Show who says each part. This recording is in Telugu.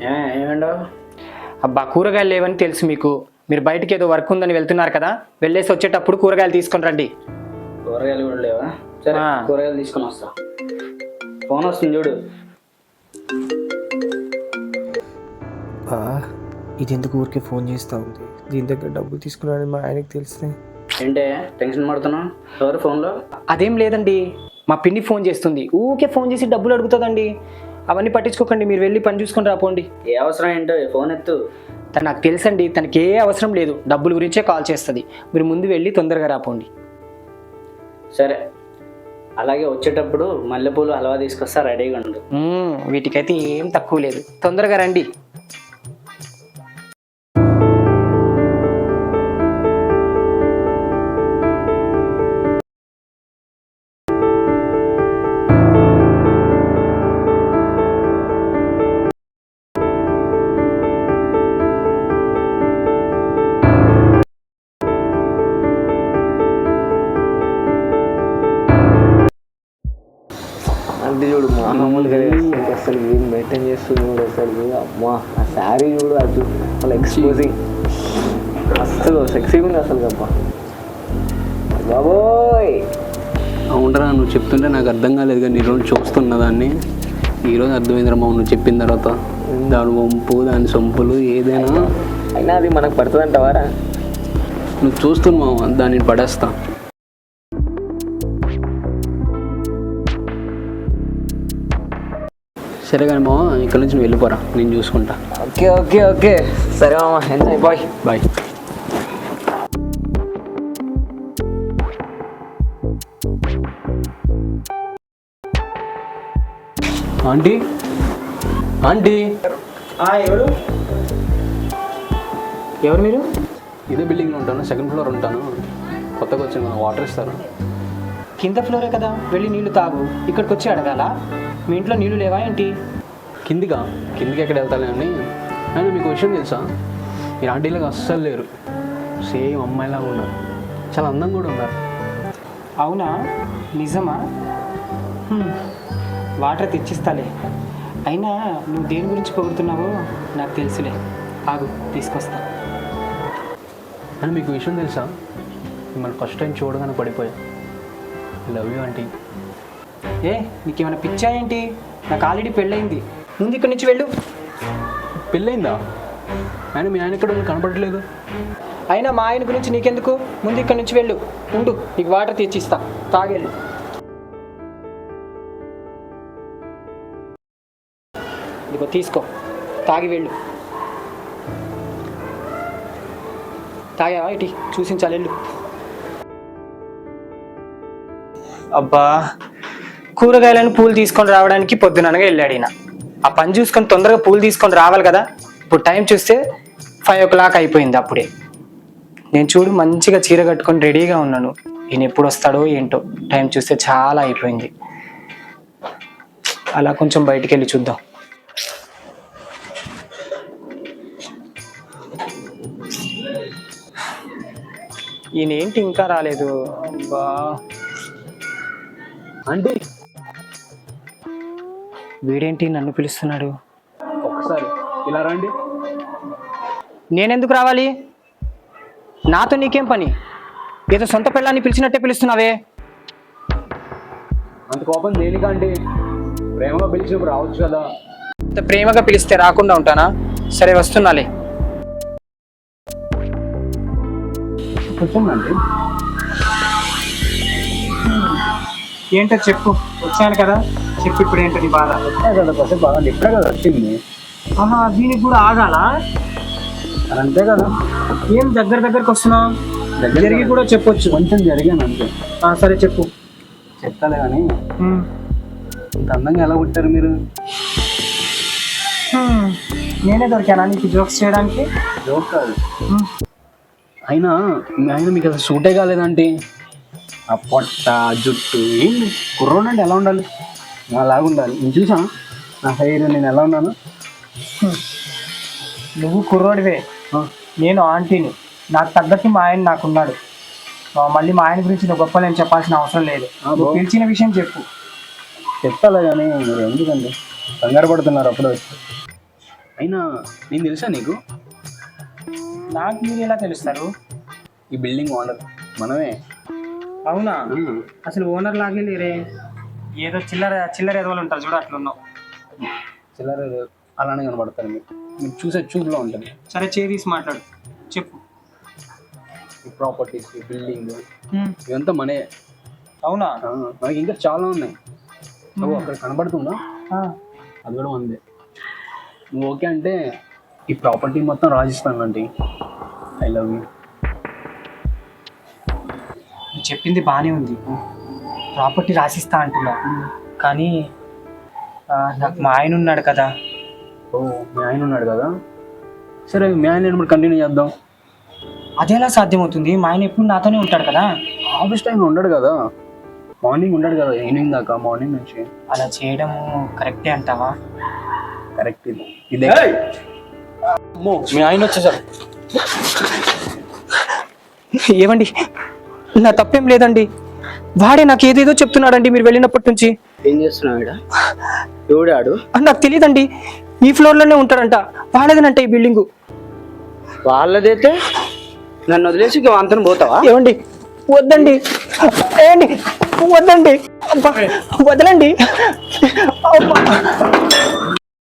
Speaker 1: ఏమండో
Speaker 2: అబ్బా కూరగాయలు లేవని తెలుసు మీకు. మీరు బయటికి ఏదో వర్క్ ఉందని వెళ్తున్నారు కదా, వెళ్ళేసి వచ్చేటప్పుడు కూరగాయలు తీసుకొని రండి.
Speaker 1: కూరగాయలు కూడా లేవా? సరే కూరగాయలు తీసుకొని వస్తా. ఫోన్ వస్తుంది చూడు.
Speaker 3: ఇది ఎందుకు ఊరికే ఫోన్ చేస్తూ ఉంది? దీని దగ్గర డబ్బులు తీసుకున్నాడని మా ఆయనకి తెలిస్తే.
Speaker 1: ఏంటే టెన్షన్ పడుతున్నావు? ఎవరు ఫోన్లో?
Speaker 2: అదేం లేదండి, మా పిన్ని ఫోన్ చేస్తుంది. ఊరికే ఫోన్ చేసి డబ్బులు అడుగుతుందండి. అవన్నీ పట్టించుకోకండి, మీరు వెళ్ళి పని చూసుకొని రాపోండి.
Speaker 1: ఏ అవసరం ఏంటో ఫోన్ ఎత్తు.
Speaker 2: తను నాకు తెలుసండి, తనకి ఏ అవసరం లేదు, డబ్బుల గురించే కాల్ చేస్తుంది. మీరు ముందు వెళ్ళి తొందరగా రాపోండి.
Speaker 1: సరే, అలాగే వచ్చేటప్పుడు మల్లెపూలు హల్వా తీసుకొస్తా, రెడీగా ఉండు.
Speaker 2: వీటికైతే ఏం తక్కువ లేదు, తొందరగా రండి.
Speaker 3: అంటే చూడు మామూలుగా అసలు ఏం మెయింటైన్ చేస్తుంది చూడు. అసలు అమ్మా ఆ శారీ చూడు, అది అసలు ఎక్స్పోజింగ్, అసలు సెక్సీగా ఉంది అసలు. అబ్బా బాబోయ్.
Speaker 4: అవునరా, నువ్వు చెప్తుంటే నాకు అర్థం కాలేదు కానీ నీ రోజు చూస్తున్నా దాన్ని. ఈరోజు అర్థమైందిరా మా నువ్వు చెప్పిన తర్వాత. దాని వంపు, దాని సొంపులు ఏదైనా
Speaker 3: అయినా అది మనకు పడుతుంది అంటావారా?
Speaker 4: నువ్వు చూస్తున్నావు, దాన్ని పడేస్తా. సరే కానీ మామ, ఇక్కడ నుంచి నువ్వు వెళ్ళిపోరా, నేను చూసుకుంటా.
Speaker 3: ఓకే ఓకే ఓకే సరే మామ, enjoy, bye
Speaker 4: bye. Aunty, aunty.
Speaker 2: ఎవరు ఎవరు మీరు?
Speaker 4: ఇదే బిల్డింగ్లో ఉంటాను, సెకండ్ ఫ్లోర్ ఉంటాను. కొత్తగా వచ్చిన వాటర్ ఇస్తారు.
Speaker 2: కింద ఫ్లోరే కదా, వెళ్ళి నీళ్లు తాగు. ఇక్కడికి వచ్చి అడగాల? మీ ఇంట్లో నీళ్లు లేవా ఏంటి?
Speaker 4: కిందికి ఎక్కడ వెళ్తాను అని. అయినా మీకు విషయం తెలుసా, మీరు ఆంటీలాగా అస్సలు లేరు. సేమ్ అమ్మాయిలాగా ఉన్నారు, చాలా అందంగా కూడా ఉన్నారు.
Speaker 2: అవునా? నిజమా? వాటర్ తెచ్చిస్తాలే. అయినా నువ్వు దేని గురించి పొగుడుతున్నావో నాకు తెలుసులే, ఆగు తీసుకొస్తా.
Speaker 4: అని మీకు విషయం తెలుసా, మిమ్మల్ని ఫస్ట్ టైం చూడగానే పడిపోయా. Love you aunty.
Speaker 2: నీకేమైనా పిచ్చా ఏంటి? నాకు ఆల్రెడీ పెళ్ళయింది, ముందు ఇక్కడి నుంచి వెళ్ళు.
Speaker 4: పెళ్ళయిందా? ఆయన మీ ఆయన ఇక్కడ కనపడట్లేదు.
Speaker 2: అయినా మా ఆయన గురించి నీకెందుకు, ముందు ఇక్కడి నుంచి వెళ్ళు. ఉండు, నీకు వాటర్ తెచ్చిస్తా, తాగెళ్ళు. ఇదిగో తీసుకో, తాగి వెళ్ళు. తాగావా? ఇటీ చూసించాలి, వెళ్ళు. అబ్బా, కూరగాయలను పూలు తీసుకొని రావడానికి పొద్దుననగా వెళ్ళాడు ఈయన. ఆ పని చూసుకొని తొందరగా పూలు తీసుకొని రావాలి కదా. ఇప్పుడు టైం చూస్తే 5 o'clock అయిపోయింది. అప్పుడే నేను చూడు మంచిగా చీర కట్టుకొని రెడీగా ఉన్నాను. ఈయన ఎప్పుడు వస్తాడో ఏంటో, టైం చూస్తే చాలా అయిపోయింది. అలా కొంచెం బయటికి వెళ్ళి చూద్దాం. ఈయన ఏంటి ఇంకా రాలేదు? అబ్బా,
Speaker 4: ఆంటీ,
Speaker 2: వీడేంటి నన్ను పిలుస్తున్నాడు?
Speaker 4: ఒకసారి ఇలా రండి.
Speaker 2: నేనెందుకు రావాలి? నాతో నీకేం పని? ఏదో సొంత పిల్లాన్ని పిలిచినట్టే పిలుస్తున్నావే.
Speaker 4: అంత కోపం దేనికంటే, ప్రేమగా పిలిచినప్పుడు రావచ్చు కదా.
Speaker 2: అంత ప్రేమగా పిలిస్తే రాకుండా ఉంటానా? సరే వస్తున్నాలే.
Speaker 4: కూర్చోండి.
Speaker 2: ఏంటో చెప్పు. వచ్చాను కదా, చెప్పు ఇప్పుడు ఏంటో నీ బాధ.
Speaker 4: కదా కొద్దిగా బాగా ఇప్పుడే కదా వచ్చింది.
Speaker 2: దీనికి కూడా ఆగాల?
Speaker 4: అంతే కదా.
Speaker 2: ఏం దగ్గరకు వస్తున్నావు? జరిగి కూడా చెప్పొచ్చు.
Speaker 4: కొంచెం జరిగాను అంతే.
Speaker 2: సరే చెప్పు.
Speaker 4: చెప్తాలే కానీ, ఇంత అందంగా ఎలా పుట్టారు మీరు?
Speaker 2: నేనే దొరికానా నీకు జోక్స్ చేయడానికి?
Speaker 4: జోక్ కాదు. అయినా మీకు అసలు సూటే కాలేదంటే, ఆ పొట్ట, జుట్టు ఏంటి? కుర్రోడు అంటే ఎలా ఉండాలి? అలాగా ఉండాలి. నేను చూసా నా హెయిర్, నేను ఎలా ఉన్నాను?
Speaker 2: నువ్వు కుర్రోడివే, నేను ఆంటీని. నాకు తగ్గట్టు మా ఆయన నాకున్నాడు. మళ్ళీ మా ఆయన గురించి నువ్వు గొప్ప నేను చెప్పాల్సిన అవసరం లేదు. నువ్వు పిలిచిన విషయం చెప్పు.
Speaker 4: చెప్తాలే కానీ మీరు ఎందుకండి కంగారు పడుతున్నారు? అప్పుడు వచ్చి అయినా నేను తెలుసా నీకు?
Speaker 2: నాకు మీరు ఎలా తెలుస్తారు?
Speaker 4: ఈ బిల్డింగ్ ఓనర్ మనమే.
Speaker 2: అవునా? అసలు ఓనర్ లాగే లేరే, ఏదో చిల్లర చిల్లర ఎదవలు ఉంటారు చూడు, అట్లున్నావు.
Speaker 4: చిల్లర అలానే కనబడతారు మీరు చూసే చూపులో ఉంటుంది.
Speaker 2: సరే తీసి మాట్లాడు, చెప్పు.
Speaker 4: ఈ ప్రాపర్టీస్, ఈ బిల్డింగ్ ఇవంతా మనే.
Speaker 2: అవునా?
Speaker 4: మనకి ఇంకా చాలా ఉన్నాయి. నువ్వు అక్కడ కనబడుతుందా, అది కూడా ఉంది. నువ్వు ఓకే అంటే ఈ ప్రాపర్టీ మొత్తం రాజిస్తాను అంటే. I love you.
Speaker 2: నువ్వు చెప్పింది బాగానే ఉంది, ప్రాపర్టీ రాసిస్తా అంటున్నా, కానీ నాకు మా ఆయన ఉన్నాడు కదా.
Speaker 4: ఓ, మీ ఆయన ఉన్నాడు కదా. సరే, మీ ఆయన నేను కంటిన్యూ చేద్దాం.
Speaker 2: అదేలా సాధ్యమవుతుంది? మా ఆయన ఎప్పుడు నాతోనే ఉంటాడు కదా.
Speaker 4: ఆఫీస్ టైంలో ఉండడు కదా, మార్నింగ్ ఉండడు కదా, ఈవినింగ్ దాకా. మార్నింగ్ నుంచి
Speaker 2: అలా చేయడం కరెక్టే అంటావా?
Speaker 4: కరెక్ట్. ఇదే మీ ఆయన వచ్చేసారు.
Speaker 2: ఏమండి, నా తప్పేం లేదండి, వాడే నాకు ఏదేదో చెప్తున్నాడండి మీరు వెళ్ళినప్పటి నుంచి.
Speaker 1: ఏం చేస్తున్నాడు? ఎవడాడు?
Speaker 2: నాకు తెలియదండి, ఈ ఫ్లోర్లోనే ఉంటాడంట, వాడేదనంట ఈ బిల్డింగు.
Speaker 1: వాళ్ళదైతే నన్ను వదిలేసి అంతను పోతావా?
Speaker 2: ఏమండి, వద్దండి, ఏండి, వద్దండి, అబ్బా, వదలండి, అబ్బా.